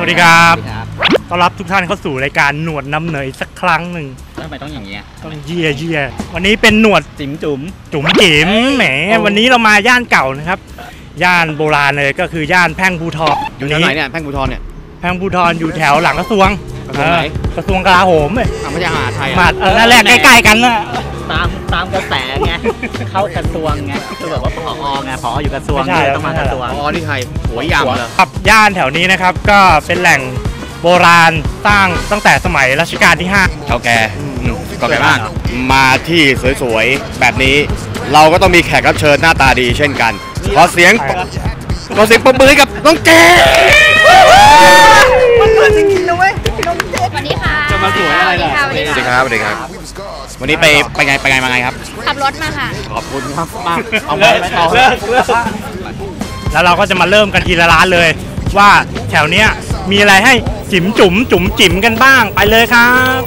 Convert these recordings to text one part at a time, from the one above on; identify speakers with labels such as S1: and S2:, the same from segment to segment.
S1: วัสดีครับต้อนรับทุกท่านเข้าสู่รายการหนวดน้ำเหนยสักครั้งหนึ่ง
S2: ทำไมต้องอย่างเงี้ย
S1: ต้องเยี่ยวันนี้เป็นหนวด
S2: จุ๋ม
S1: จิ๋มแหมวันนี้เรามาย่านเก่านะครับย่านโบราณเลยก็คือย่านแพ่งภูทร
S2: อยู่แถวไหนเนี่ยแพ่งภูทรเนี่ย
S1: แพ่งภูทรอยู่แถวหลังกระทรวง
S2: ไหน
S1: กระทรวงกลาโหมเลย
S2: ไม่ใช่มหาไทย
S1: นั่นแหละใกล้ๆกันนะ
S2: ตามกระแสไงเข้ากระทรวงไงคือแบบว่าผอไงผออยู่กระทรวงต้องมากระทรวง
S1: ที่ไทย
S2: หัวยำเลย
S1: ครับย่านแถวนี้นะครับก็เป็นแหล่งโบราณสร้างตั้งแต่สมัยรัชกาลที่5
S3: เก่าแก่มากมาที่สวยๆแบบนี้เราก็ต้องมีแขกรับเชิญหน้าตาดีเช่นกันขอเสียงปรบมือกับน้องเจ
S1: มันเกิดจริงๆนะเว้ยน้องเจ
S4: สวัสดีค่ะ
S1: จะมาสวยอะไรล่ะ
S3: สวัสดีครับวันนี้ไปไงมาไงครับ
S4: ขับรถมาค่ะ
S3: ขอบคุณมากเอาไปต่อ
S1: แล้วเราก็จะมาเริ่มกันทีละร้านเลยว่าแถวเนี้ยมีอะไรให้จุ๋มจิ๋มกันบ้างไปเลยครับ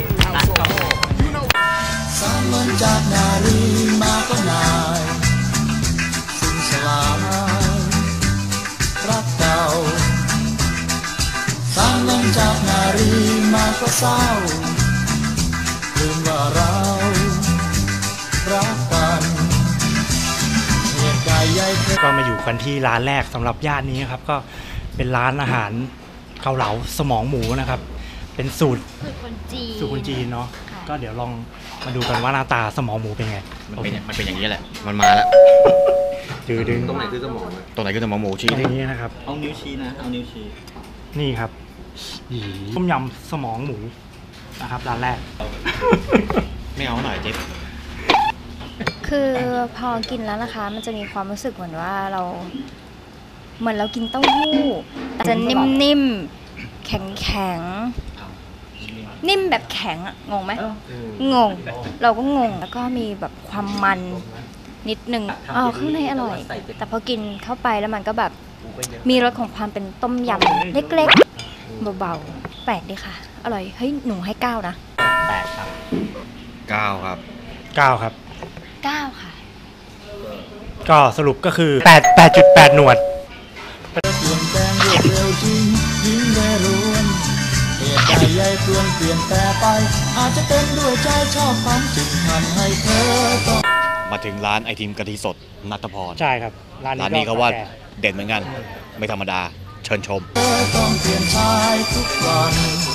S5: สามัญจากนารีมาก็นายสิ้นสลายรักเก่าสามัญจากนารีมาก็เศร้าลืมว่าเรารักกันเหตุการณ์ใหญ่
S1: ก็มาอยู่กันที่ร้านแรกสำหรับย่านนี้ครับก็เป็นร้านอาหารเกาเหลาสมองหมูนะครับเป็นสูตรคนจีนเนาะก็เดี๋ยวลองมาดูกันว่าหน้าตาสมองหมูเป็นไง
S3: มันเป็นอย่างนี้แหละมันมาแล้ว
S1: ดึง
S3: ตรงไหนคือสมองหมูชี้
S1: ที่นี้นะครับ
S2: เอานิ้วชี้นะเอานิ้วชี้
S1: นี่ครับต้มยำสมองหมูนะครับร้านแรก
S3: ไม่เอาหน่อยจิ๊บ
S4: คือพอกินแล้วนะคะมันจะมีความรู้สึกเหมือนว่าเรากินเต้าหู้จะนิ่มๆแข็งนิ่มแบบแข็งอะงงไหมงงเราก็งงแล้วก็มีแบบความมันนิดนึงข้างในอร่อยแต่พอกินเข้าไปแล้วมันก็แบบมีรสของความเป็นต้มยำเล็กๆเบาๆแปลกดีค่ะอร่อยเฮ้ยหนูให้9นะ
S3: 8ครับ9ครับ
S1: 9ครับ
S4: 9ค่ะ
S1: ก็สรุปก็คือ8.8หนวด
S5: เปลี่ยนแปลงรวดเร็วจริงยิ่งได้รวนเหตุใจใหญ่เปลี่ยนแต่ไปอาจจะเป็นด้วยใจชอบความจึงทำให้เธอต้อง
S3: มาถึงร้านไอติมกะทิสดณัฐพร
S1: ใช่ครับร้านนี้
S3: เขาว่าเด่นเหมือนกันไม่ธรรมดาเชิญชม
S5: เธอต้องเปลี่ยนชายทุกวัน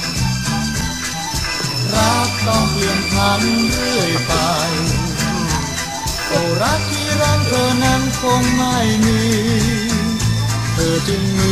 S5: รักต้องเปลี่ยนพันเรื่อยไปโอ้รักที่รักเธอนั้นคงไม่มีเธอจึงมี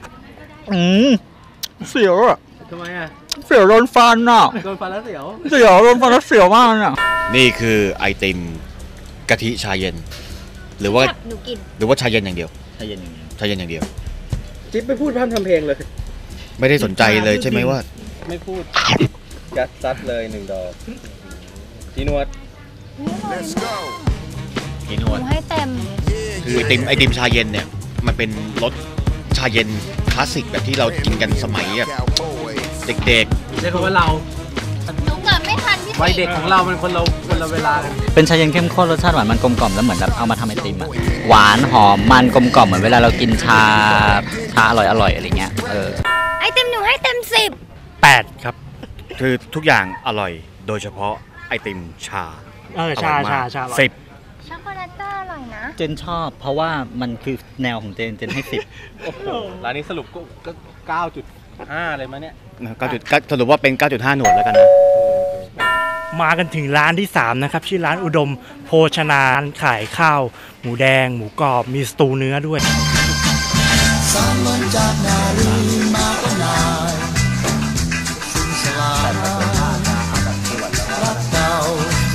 S1: เสียวอ่ะ
S2: ทำไมอ่ะ
S1: เสียวโดนฟันอ่ะ
S2: โดนฟันแล้วเสียว
S1: โดนฟันแล้วเสียวมากอ่ะ
S3: นี่คือไอติมกะทิชาเย็นหรือว่าชาเย็นอย่างเดียว
S2: ชาเย็น
S3: อย่างเดียว
S2: จิ๊บไม่พูดพร่ำทำเพลงเลย
S3: ไม่ได้สนใจเลยใช่ไหมว่า
S2: ไม่พูดยัดซัดเลย1 ดอกจีนวด
S4: ให้เต็ม
S3: คือไอติมชาเย็นเนี่ยมันเป็นรสชาเย็นคลาสสิกแบบที่เรากินกันสมัยแบบเด็ก
S2: ๆเรียกว่าเรา
S4: หนูเกิดไม่ทันพี่
S2: วัยเด็กของเรามันคนละเวลาเป็นชาเย็นเข้มข้นรสชาติหวานมันกลมกล่อมแล้วเหมือนแบบเอามาทำไอติมอะหวานหอมมันกลมกล่อมเหมือนเวลาเรากินชาอร่อยอะไรเงี้ย
S4: ไอติมหนูให้เต็ม
S1: 10 8ครับ
S3: คือทุกอย่างอร่อยโดยเฉพาะไอติมชา
S1: ชา
S3: 10
S4: ช็อกโกแลตก็อร่อยนะ
S2: เจนชอบเพราะว่ามันคือแนวของเจนให้10โอ้โหร้านนี้สรุปก็9.5เลยมั้ยเนี่ย
S3: สรุปว่าเป็น 9.5 หนวดแล้วกันนะ
S1: มากันถึงร้านที่3นะครับชื่อร้านอุดมโภชนาขายข้าวหมูแดงหมูกรอบมีสตูเนื้อด้วย
S5: สามัญจากนารีมาก็นายสิ้นสลายรักเก่า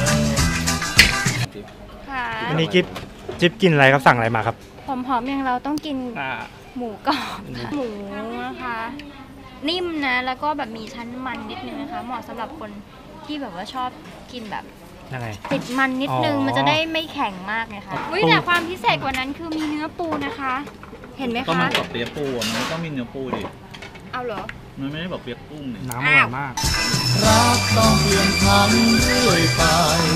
S1: วันนี้จิ๊บกินอะไรครับสั่งอะไรมาครับ
S4: หอมๆอย่างเราต้องกินหมูกรอบหมูนะคะนิ่มนะแล้วก็แบบมีชั้นมันนิดนึงนะคะเหมาะสำหรับคนที่แบบว่าชอบกินแบบติดมันนิดนึงมันจะได้ไม่แข็งมากไงคะแต่ความพิเศษกว่านั้นคือมีเนื้อปูนะคะเห็นไหมคะ
S2: ก็มันกับเปี๊ยกปูมันต้องมีเนื้อปูดิ
S4: เอาเหรอ
S2: มันไม่ได้แบบเปี๊ยกกุ้ง
S1: น้ำอร่อยมาก
S5: รักต้องเปลี่ยนพันเรื่อยไป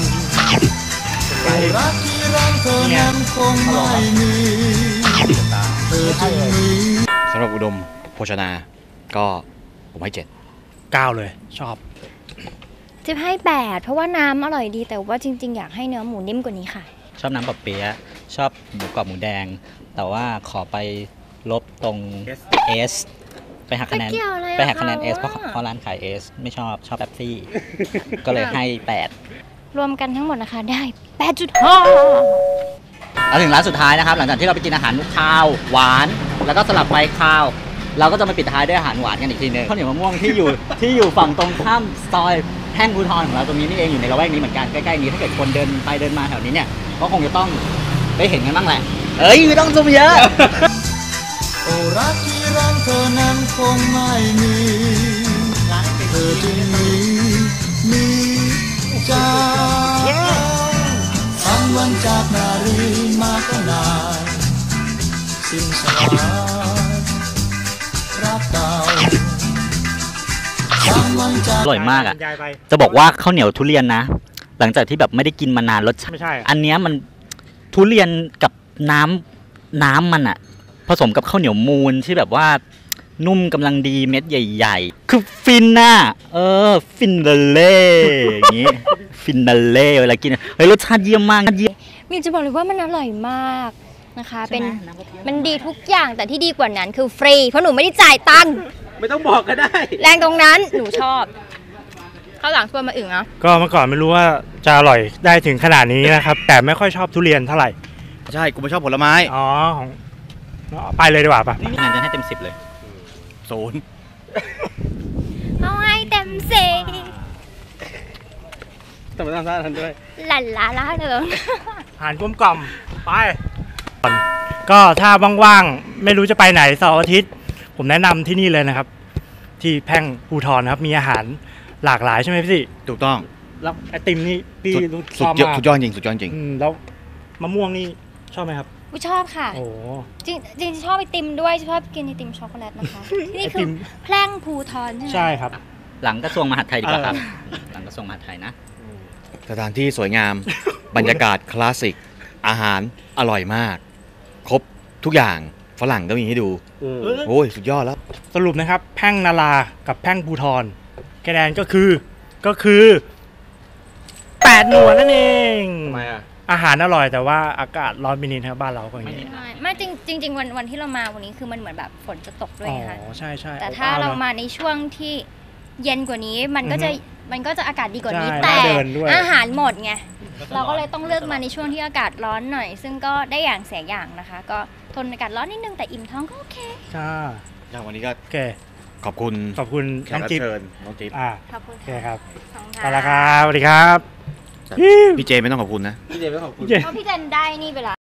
S5: รักที่รักเธอนั้นคงไม่มีเธอจึงมี
S3: สำหรับอุดมโภชนาก็ผมให้เจ็ด
S1: 9 เลยชอบ
S4: จิ๊บให้ 8 เพราะว่าน้ำอร่อยดีแต่ว่าจริง ๆ อยากให้เนื้อหมูนิ่มกว่านี้ค่ะ
S2: ชอบน้ำปะเปี๊ยะชอบหมูกรอบหมูแดง แต่ว่าขอไปลบตรง S ไปหักคะแนน
S4: ไม่เกี่ยวอะไรอะ
S2: ไปหักคะแนน S
S4: เขา
S2: เพ
S4: อะ
S2: ราะร้านขาย S ไม่ชอบแป๊บซี่ ก็เลยให้ 8
S4: รวมกันทั้งหมดนะคะได้ 8.5
S2: เอาถึงร้านสุดท้ายนะครับ หลังจากที่เราไปกินอาหารข้าวหวาน แล้วก็สลับไปข้าว เราก็จะมาปิดท้ายด้วยอาหารหวานกันอีกทีหนึงข้าวเหนียวมะม่วงที่อยู่ฝั่งตรงข้ามซอยแท่งภูธรของเราตรงนี้นี่เองอยู่ในละแวกนี้เหมือนกันใกล้ๆนี้ถ้าเกิดคนเดินไปเดินมาแถวนี้เนี่ยก็คงจะต้องได้เห็นกันบ้างแหละเอ้ยไม่ต้องซูมเยอะ
S5: โอ้รักที่รักเธอนั้นคงไม่มีเธอจึงมีใจสังวันจากนารีมาก็นานสิ้นสลายรักเก่าสังวันจาก
S2: อร่อยมากอ่ะ
S1: ยายไป
S2: จะบอกว่าข้าวเหนียวทุเรียนนะ หลังจากที่แบบไม่ได้กินมานานรสชาติ
S1: ไม่ใช่อะ
S2: อันเนี้ยมันทุเรียนกับน้ำมันอ่ะ ผสมกับข้าวเหนียวมูนที่แบบว่านุ่มกำลังดีเม็ดใหญ่ๆ คือฟินน่ะฟินเล่อย่างงี้ ฟินเล่เวลากินเฮ้ยรสชาติเยี่ยมมากเยี่ยม
S4: มีจะบอกเลยว่ามันอร่อยมากนะคะ เป็นมันดีทุกอย่างแต่ที่ดีกว่านั้นคือฟรีเพราะหนูไม่ได้จ่ายตังค์
S6: ไม่ต้องบอกก็ได้
S4: แรงตรงนั้นหนูชอบข้าวหลังชวนมาอึ่งอ่ะ
S1: ก็เมื่อก่อนไม่รู้ว่าจะอร่อยได้ถึงขนาดนี้นะครับ แต่ไม่ค่อยชอบทุเรียนเท่าไหร่
S3: ใช่กูไม่ชอบผลไม้
S1: อ๋อของไปเลยดีกว่าปะ
S2: นี่คะแนนจะให้เต็ม10เลย
S3: 0
S4: เอาให้เต็มสิ
S6: แต่ไม่ต้องท่าทันด้วย
S4: หลั่นล้าล้าเลย
S1: อาหารกลมกล่อมไปก็ถ้าว่างๆไม่รู้จะไปไหนเสาร์อาทิตย์ ผมแนะนำที่นี่เลยนะครับ ที่แพ่งภูธรนะครับ มีอาหารหลากหลายใช่ไหมพี่
S3: ถูกต้อง
S1: แล้วไอติมนี่พี่รู้
S3: สุ
S1: ช
S3: ด
S1: อบ
S3: ยอด
S1: มาก
S3: สุดยอดจริงสุดยอดจริง
S1: แล้วมะม่วงนี่ชอบไหมครับ
S4: กูชอบค่ะ
S1: โอ้
S4: จริงชอบไอติมด้วยชอบกินไอติมช็อกโกแลตนะคะ นี่คื
S1: ไอติ
S4: อ
S1: ม
S4: แพร่งภูทรใช่ไหม
S1: ใช่ครับ
S2: หลังกระทรวงมหาดไทยดีกว่าครับ หลังกระทรวงมหาดไทยนะ
S3: สถานที่สวยงาม บรรยากาศคลาสสิก อาหารอร่อยมาก ครบทุกอย่างฝรั่งก็มีให้ดู โอ้ย สุดยอดแล้ว
S1: สรุปนะครับ แพ่งนารากับแพ่งภูธรคะแนนก็คือ8 หน่วยนั่นเอง
S6: ทำไมอ่ะ
S1: อาหารอร่อยแต่ว่าอากาศร้อนไปนิดครับบ้านเราก็อย่างนี้
S4: ไม่จริงวันที่เรามาวันนี้คือมันเหมือนแบบฝนจะตกด้วย
S1: อ๋อ
S4: ไงคะ
S1: ใช่ใช่
S4: แต่ถ้าเรามาในช่วงที่เย็นกว่านี้มันก็จะอากาศดีกว่านี้
S1: ใช่
S4: แต่
S1: น่าเดินด้วย
S4: อาหารหมดไงเราก็เลยต้องเลือกมาในช่วงที่อากาศร้อนหน่อย ซึ่งก็ได้อย่างเสียอย่างนะคะ ก็ทนอากาศร้อนนิดนึงแต่อิ่มท้องก็โอเค
S1: ใช่
S3: อย่างวันนี้ก็
S1: โอเค
S3: ขอบคุณ
S1: ขอบคุณ
S3: แข
S1: น้
S3: ก
S1: อง
S3: รับ
S1: จิ๊บ
S3: เชิญน้องจิ๊บ
S4: ขอบคุณ
S1: โอเค
S4: ค่ะ
S1: ครับ
S4: ขอบคุณ
S1: ไปละครับสวัสดีครับ
S3: พี่เจไม่ต้องขอบคุณนะ
S6: พี่เจไม่ขอบคุณ
S1: เย้
S4: เพราะพี่เจนได้นี่ไปละ